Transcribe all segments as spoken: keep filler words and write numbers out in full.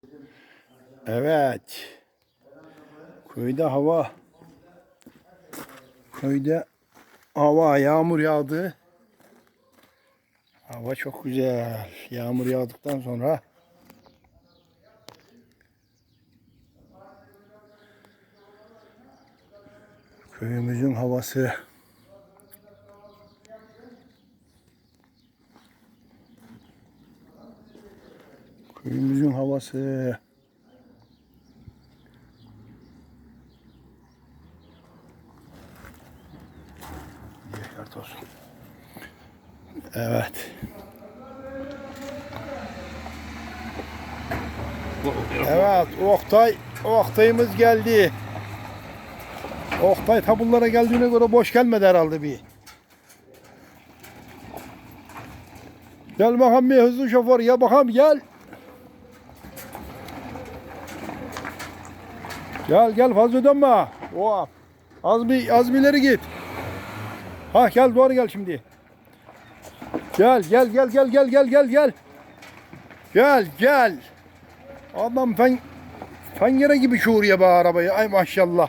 Evet. Köyde hava köyde hava yağmur yağdı. Hava çok güzel. Yağmur yağdıktan sonra köyümüzün havası köyümüzün havası Şart olsun. Evet. Evet, Oktay, Oktay'ımız geldi. Oktay tabullara geldiğine göre boş gelmedi herhalde bir. Gel bakalım bir hızlı şoför, ya bakalım gel. Gel gel fazla dönme. Oh. Az bir az bir ileri git. Ha gel doğru gel şimdi. Gel gel gel gel gel gel gel gel. Gel gel. Adam fen fengere gibi şuuruyor bu arabayı. Ay maşallah.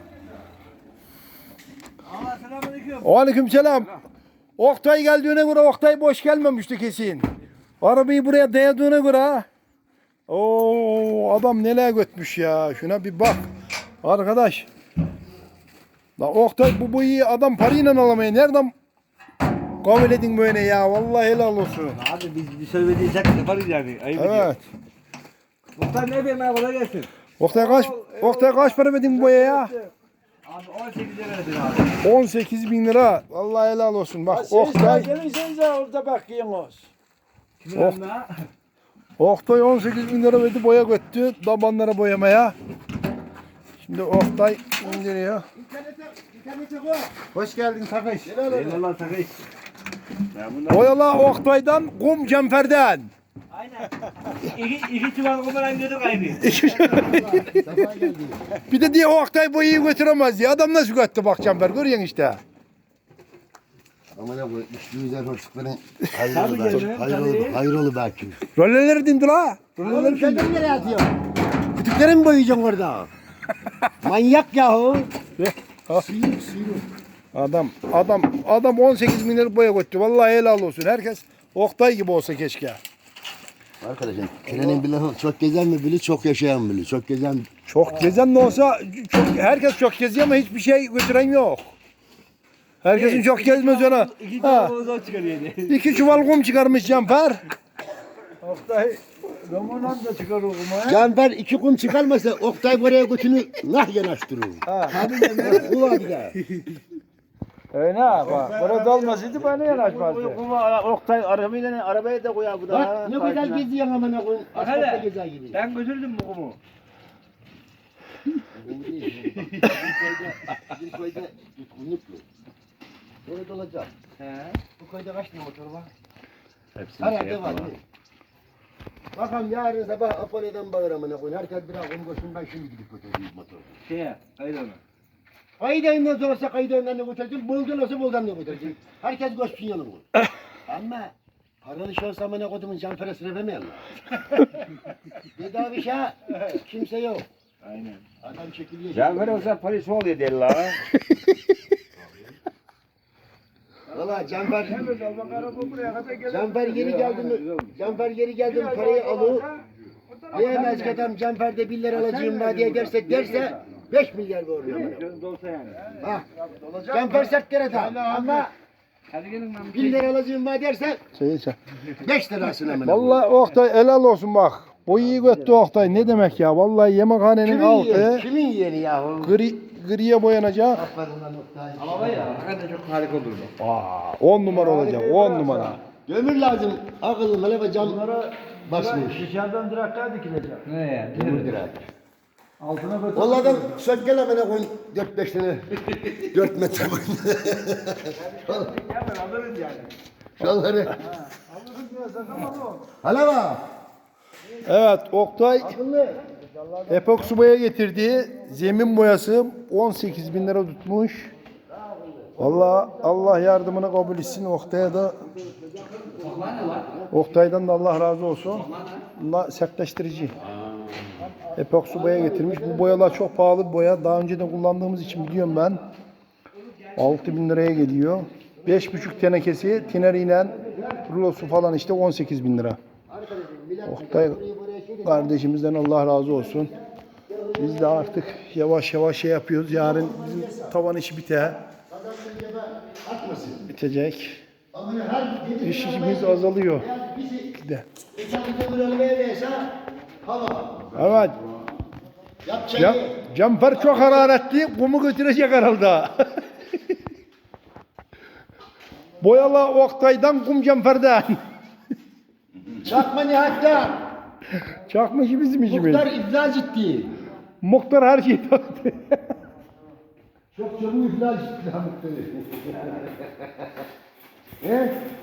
Aleyküm selam. Oktay geldiğine göre Oktay boş gelmemişti kesin. Arabayı buraya dayadığına göre. Oo adam neler götmüş ya. Şuna bir bak. Arkadaş. La Oktay bu boyu adam parayla alamayı nereden kabul edin böyle ya? Vallahi helal olsun. Abi biz bir söylediysek yaparız yani. Ayıp Evet. Muhtar ne yapayım abi kolay gelsin. Oktay kaç Oktay kaç para verdin bu boyaya? Abi on sekiz lira verdin abi. on sekiz bin lira. Vallahi helal olsun. Bak Oktay. Gelirsenize orada bakıyorsunuz. Kimin Oh. önüne? Oktay on sekiz bin lira verdi boya götürdü tabanlara boyamaya. Şimdi Oktay indiriyor. Hoş geldin Takış. Eyvallah takayım. Ben bundan... Boyala Oktay'dan, kum Cemfer'den. Aynen. İki, iki çuval kumaran gördük aynı. Bir de diye Oktay boyayı götüremez diye. Adam nasıl götürdü bak Cemfer görüyorsun işte. Ama ne bu üstümüzden hoşlukların Tabii hayır canım, olur, hayır tabii. olur, hayır olur belki. Roleleri dindi la. Oğlum sen de nereye atıyorsun? Kütükleri mi boyayacaksın orada? Manyak yahu. Sıyırık sıyırık. Adam, adam, adam on sekiz bin lira boya götürdü. Vallahi helal olsun. Herkes Oktay gibi olsa keşke. Arkadaşım trenin bir lafı çok gezen mi bilir, çok yaşayan bilir. Çok gezen Çok gezen de olsa çok, herkes çok geziyor ama hiçbir şey götüren yok. Herkesin çok gezmez ona. İki Ha. çuval kumaran çıkarıyor. İki çuval kum çıkarmış Cemfer. Oktay, Roman'dan da çıkar okumaya. Canber iki kum çıkarmasa Oktay buraya götünü nah yanaştırır. Tabii de bu var bir de. Öyle ha bak. Burada olmasaydı bana yanaşmazdı. Kuma Oktay arabayla arabaya da koyar bu da. Bak ne güzel geziyorsun amına koyayım. Bak Asfaltta hele. gezer gibi. Ben götürdüm bu kumu. Bizim köyde kumluklu. Böyle dolacak. He. Bu köyde kaç tane motor var? Hepsini Herhalde var. Bakalım yarın sabah Apollo'dan bağır amına koyun. Herkes bir akum koşun ben şimdi gidip götüreyim motoru. Şeye, hayır ona. Kayıdayından sonrası kayıdayından ne götüreceğim? Boldan olsa boldan ne götüreceğim? Herkes koşsun yanıma. Ama paralı şey olsa amına kodumun can parasını vermeyen lan. Bedava bir şey kimse yok. Aynen. Adam çekiliyor. Ya böyle olsa polis oluyor deli la. Valla Canber, Canber yeri geldi mi, Canber yeri geldi mi parayı alır. Diyemez ki adam Canber'de bir lira alacağım var diye derse derse beş milyar doğru amına. Dolsa yani. Bak, Canber sert lira da ama Hadi gelin lan. bir lira alacağım var derse Şey, şey. beş lirasını amına. Vallahi Oktay helal olsun bak. Boyayı götürdü Oktay. Ne demek ya? Vallahi yemekhanenin Kimin altı yeğeni? Kimin yeğeni yahu? gri, griye boyanacak. Aferin lan Oktay. Ama var ya, hakikaten çok harika olurdu. Aa, on numara olacak. On numara. Dömür lazım. Akıllı hele ve cam basmış. Dışarıdan direkler dikilecek. Ne ya? Dömür direkt. Altına götür. Onlardan sökkel amına koyun dört beş tane. Dört metre koyun. Hemen alırız yani. Şalları. Alırız diyorsan tamam o. Hala bak. Evet Oktay Akıllı. epoksi boya getirdiği zemin boyası on sekiz bin lira tutmuş. Vallahi Allah yardımını kabul etsin. Oktay'a da Oktay'dan da Allah razı olsun. Bunlar sertleştirici. Epoksi boya getirmiş. Bu boyalar çok pahalı bir boya. Daha önceden kullandığımız için biliyorum ben. altı bin liraya geliyor. beş buçuk tenekesi tineriyle rulosu falan işte on sekiz bin lira. Oktay kardeşimizden Allah razı olsun. Biz de artık yavaş yavaş şey yapıyoruz. Yarın bizim tavan işi biter. Bitecek. İş işimiz azalıyor. De. Evet. Cam, camper çok hararetli. Kumu götürecek herhalde. Boyalı Oktay'dan kum camperden. Çakma Nihat'tan. Çakma işi bizim işimiz. Muhtar iflas etti. Muhtar her şeyi taktı. Çok çabuk iflas etti. Muhtarı. He?